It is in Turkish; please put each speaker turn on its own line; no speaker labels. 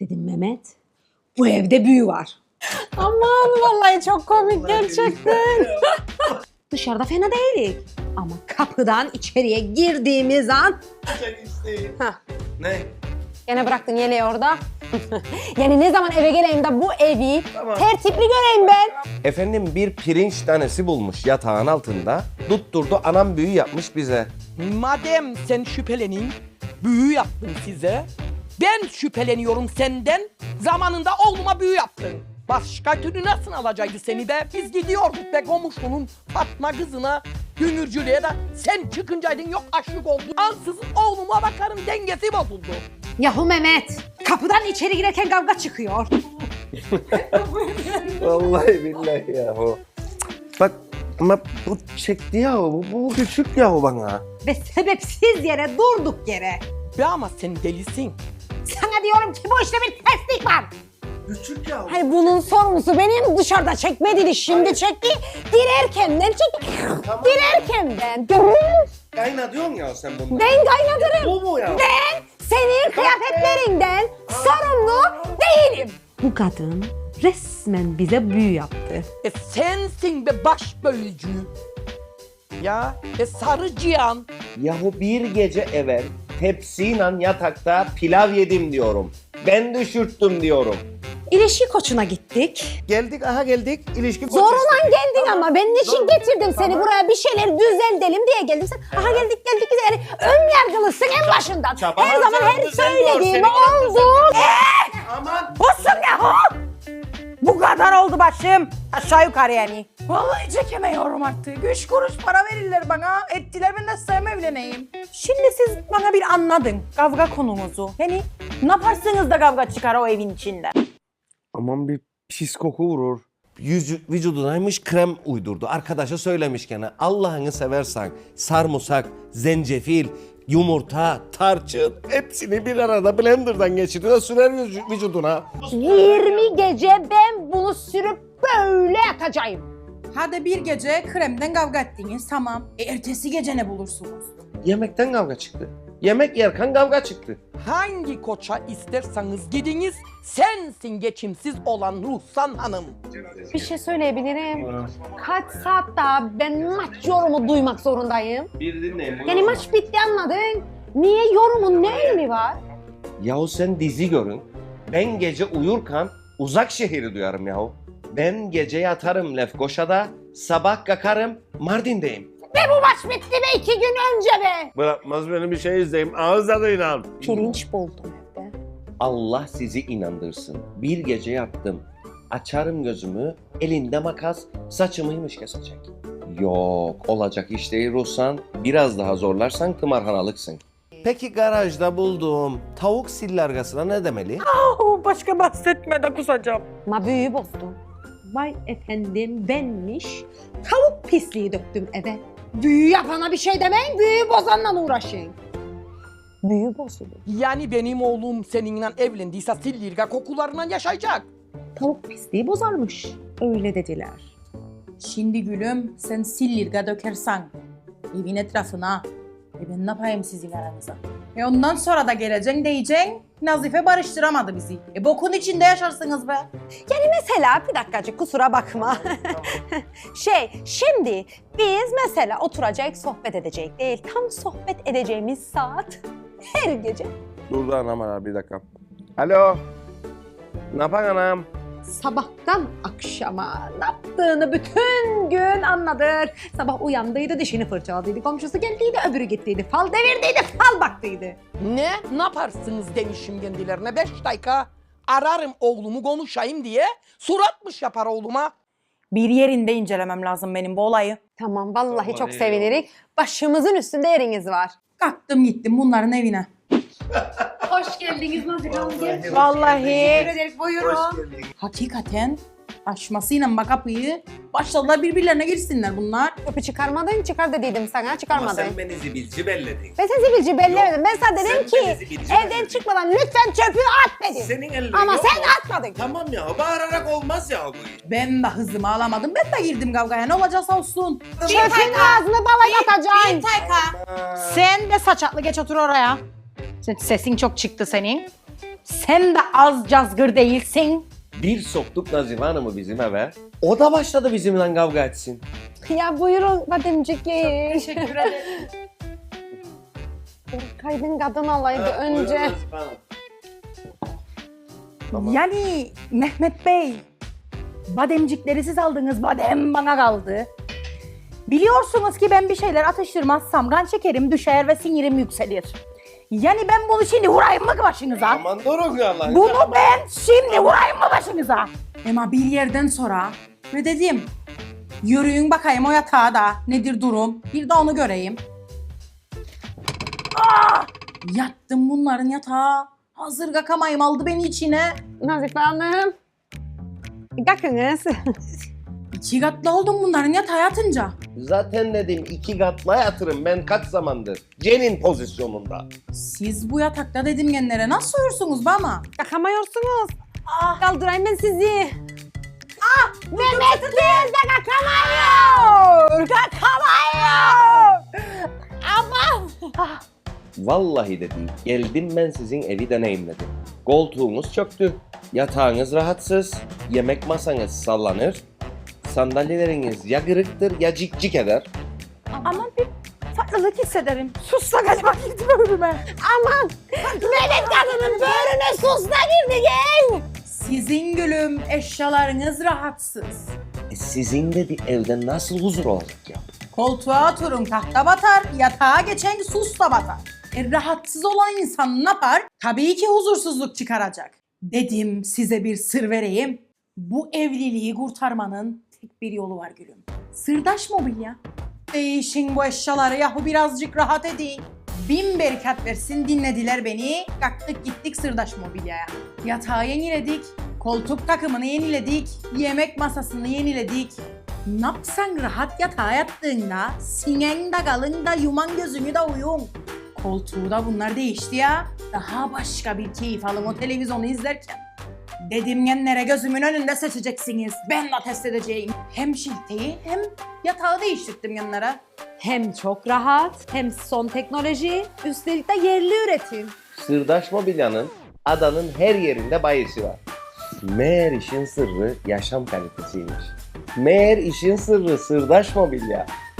Dedim Mehmet, bu evde büyü var.
Aman vallahi çok komik gerçekten.
Dışarıda fena değilik. Ama kapıdan içeriye girdiğimiz an...
Hah.
Ne?
Gene bıraktın yeleği orada. Yani ne zaman eve geleyim de bu evi
Tamam.
tertipli göreyim ben.
Efendim bir pirinç tanesi bulmuş yatağın altında. Tutturdu anam büyü yapmış bize.
Madem sen şüphelenin, büyü yaptım size. Ben şüpheleniyorum senden. Zamanında oğluma büyü yaptın. Başka türlü nasıl alacaktı seni be? Biz gidiyorduk be komşunun Fatma kızına, dünürcülüğe de sen çıkıncaydın yok açlık oldu. Ansızın oğluma bakarım dengesi bozuldu.
Yahu Mehmet, kapıdan içeri girerken kavga çıkıyor.
Vallahi billahi yahu. Bak ama bu çekti yahu. Bu küçük yahu bana.
Ve sebepsiz yere, durduk yere.
Be ama sen delisin.
Sana diyorum ki bu işte bir terslik var.
Küçük yahu.
Hani bunun sorumlusu benim, dışarıda çekmediydi, şimdi çekti. Girerkenden çekti.
Tamam.
Girerkenden. Görün.
Kayna diyorsun ya sen bunu.
Ben kaynatırım.
Bu mu ya?
Ben senin kıyafetlerinden sorumlu değilim.
Bu kadın resmen bize büyü yaptı.
Sensin be baş bölücü. Ya sarı cihan.
Yahu bir gece evvel tepsiyle yatakta pilav yedim diyorum. Ben düşürttüm diyorum.
İlişki koçuna gittik.
Geldik aha geldik. İlişki
Zorla geldin ama ben niçin getirdim seni buraya, bir şeyler düzeltelim diye geldim. Sen aha geldik yani ön yargılısın en başından.
çaba
Her zaman her
harcandı, sen gör,
söylediğimi
senin
oldu.
Aman.
Olsun yahu. Bu kadar oldu başım. Aşağı yukarı yani.
Vallahi çekemiyorum artık. 3 kuruş para verirler bana. Ettiler ben de sevmem evleneyim.
Şimdi siz bana bir anladın kavga konumuzu. Yani ne yaparsınız da kavga çıkar o evin içinde?
Aman bir pis koku vurur. Vücudunaymış krem uydurdu. Arkadaşa söylemiş gene. Allah'ını seversen sarımsak, zencefil, yumurta, tarçın hepsini bir arada blenderdan geçiriyor sürer vücuduna.
20 gece ben bunu sürüp böyle yatacağım.
Hadi bir gece kremden kavga ettiniz tamam. Ertesi gece ne bulursunuz?
Yemekten kavga çıktı. Yemek yerken kavga çıktı.
Hangi koça isterseniz gidiniz, sensin geçimsiz olan Ruhsan Hanım.
Bir şey söyleyebilirim. Kaç saat daha ben maç yorumu duymak zorundayım?
Bir dinleyin.
Yani maç bitti anladın. Niye yorumun ne önemi var?
Yahu sen dizi görün. Ben gece uyurken uzak şehri duyarım yahu. Ben gece yatarım Lefkoşa'da, sabah kalkarım Mardin'deyim.
Ve bu maç bitti be 2 gün önce be.
Bırakmaz beni bir şey izleyeyim. Ağız tadıyla.
Pirinç buldum evde.
Allah sizi inandırsın. Bir gece yattım. Açarım gözümü, elinde makas, saçımıymış kesecek. Yok, olacak iş değil Ruhsan. Biraz daha zorlarsan tımarhanalıksın. Peki garajda bulduğum tavuk sillargasına ne demeli?
Başka bahsetme de kusacağım.
Ma büyüyü bozdum.
Vay efendim benmiş. Tavuk pisliği döktüm eve. Büyü yapana bir şey demeyin, büyüyü bozanla uğraşın.
Büyü bozuldu.
Yani benim oğlum seninle evlendiyse sillirga kokularından yaşayacak.
Tavuk pisliği bozarmış. Öyle dediler.
Şimdi gülüm sen sillirga dökersen evin etrafına. Ben ne yapayım sizin aranıza? Ondan sonra da geleceksin diyeceksin. Nazife barıştıramadı bizi. Bokun içinde yaşarsınız be.
Yani mesela bir dakikacık kusura bakma. Şimdi biz mesela oturacak sohbet edecek değil. Tam sohbet edeceğimiz saat her gece.
Dur da anam ara bir dakika. Alo. Ne yapan anam?
Sabahtan akşama ne yaptığını bütün gün anladır. Sabah uyandıydı, dişini fırçaladıydı. Komşusu geldiydi, öbürü gittiydi. Fal devirdiydi, fal baktıydı.
Ne yaparsınız demişim kendilerine 5 dakika. Ararım oğlumu konuşayım diye suratmış yapar oğluma.
Bir yerinde incelemem lazım benim bu olayı.
Tamam vallahi çok sevinirik. Başımızın üstünde yeriniz var.
Kalktım gittim bunların evine.
Hoş geldiniz Nazik Hanım.
Vallahi.
ederim, buyurun.
Hakikaten açmasıyla bak kapıyı başladılar birbirlerine girsinler bunlar.
Öpü çıkarmadın, çıkar dediydim sana, çıkarmadın.
beni zibilci belledin.
Ben sen zibilci bellemedim. Ben sana dedim
sen beni
ki
zibilci
evden
belledin.
çıkmadan lütfen çöpü at dedim.
Senin ellerin
Ama
yok
sen
mu?
atmadın.
Tamam ya bağırarak olmaz ya bu iş.
Ben de hızımı alamadım. Ben de girdim kavgaya. Ne olacaksa olsun.
Çöpün ağzını bala yatacaksın.
Sen de saçaklı geç otur oraya. Sesin çok çıktı senin. Sen de az cazgır değilsin.
Bir soktuk Nazife Hanım'ı bizim eve. O da başladı bizimle kavga etsin.
Ya buyurun bademcik yiyin.
Teşekkür ederim.
Kaydın kadın olaydı önce.
Tamam.
Yani Mehmet Bey, bademcikleri siz aldınız, badem bana kaldı. Biliyorsunuz ki ben bir şeyler atıştırmazsam kan şekerim düşer ve sinirim yükselir. Yani ben bunu şimdi vurayım mı başınıza?
Aman durun ya Allah.
Bunu ben şimdi vurayım mı başınıza? Ama bir yerden sonra ne dedim? Yürüyün bakayım o yatağa da nedir durum? Bir de onu göreyim. Aa! Yattım bunların yatağa. Hazır kakamayım aldı beni içine.
Nazife Hanım. Bakınız.
2 katlı oldum bunların yatağa yatınca.
Zaten dedim 2 katma yatırım ben kaç zamandır. Cenin pozisyonunda.
Siz bu yatakta dedim genlere nasıl uyursunuz be ama?
Kakamıyorsunuz. Kaldırayım ben sizi. Mehmet değil de kakamıyor. Kakamıyor. Ama.
Vallahi de değil. Geldim ben sizin evi deneyimledim. Koltuğunuz çöktü. Yatağınız rahatsız. Yemek masanız sallanır. Sandalyeleriniz ya kırıktır ya cik eder.
Ama bir farklılık hissederim. Sus da galiba girdi böğrüme.
Aman. Mehmet kadının böğrüne sus da girdi gel.
Sizin gülüm eşyalarınız rahatsız.
Sizin de bir evde nasıl huzur olacak ya?
Koltuğa oturun tahta batar, yatağa geçen sus da batar. Rahatsız olan insan ne yapar? Tabii ki huzursuzluk çıkaracak. Dedim size bir sır vereyim. Bu evliliği kurtarmanın tek bir yolu var gülüm. Sırdaş mobilya. Değişin bu eşyaları yahu birazcık rahat edin. 1000 berikat versin dinlediler beni. Kalktık gittik sırdaş mobilyaya. Yatağı yeniledik. Koltuk takımını yeniledik. Yemek masasını yeniledik. Ne yapsan rahat yatağa yattığında sinen de kalın da yuman gözünü de uyum. Koltuğu da bunlar değişti ya. Daha başka bir keyif alın o televizyonu izlerken. Dedim genlere gözümün önünde seçeceksiniz. Ben de test edeceğim. Hem şilteyi hem yatağı değiştirdim genlere.
Hem çok rahat, hem son teknoloji, üstelik de yerli üretim.
Sırdaş Mobilya'nın adanın her yerinde bayisi var. Meğer işin sırrı yaşam kalitesiymiş. Meğer işin sırrı Sırdaş Mobilya.